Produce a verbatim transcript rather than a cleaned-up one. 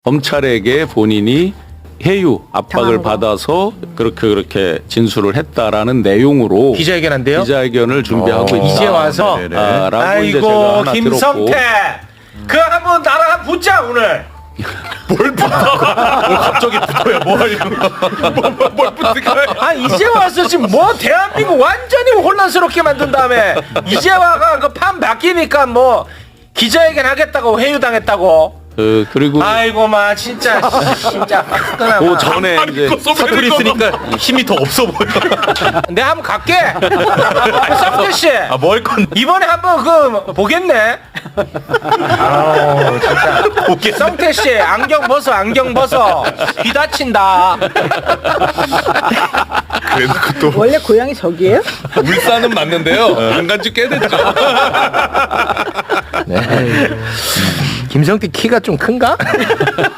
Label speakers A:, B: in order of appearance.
A: 검찰에게 본인이 해유 압박을
B: 당함으로.
A: 받아서 그렇게 그렇게 진술을 했다라는 내용으로
C: 기자회견한대요?
A: 기자회견을 준비하고 있다.
C: 이제 와서
A: 네네. 아, 라고 이제 제가
C: 아이고
A: 하나
C: 김성태
A: 들었고.
C: 그 한번 나랑 한번 붙자 오늘.
D: 뭘 붙어? 뭘 갑자기 붙어요? 뭐 하려고? 뭘, 뭘 붙을까요?
C: 아 이제 와서 지금 뭐 대한민국 완전히 혼란스럽게 만든 다음에 이제 와가 그 판 바뀌니까 뭐 기자회견 하겠다고 회유당했다고.
A: 그 그리고
C: 아이고 마 진짜 진짜 화끈하마.
A: 그 전에 이제
D: 사투리 쓰니까 힘이 더 없어 보여.
C: 내가 한번 갈게. 쌍태 씨.
D: 아뭐 할 건데?
C: 이번에 한번 그 보겠네. 아우 진짜. 쌍태 씨 안경 벗어 안경 벗어. 귀 다친다.
D: 그래도 또
B: 원래 고향이 저기예요?
D: 울산은 맞는데요. 안 간 지 꽤 됐죠.
C: 김성태 키가 좀 큰가?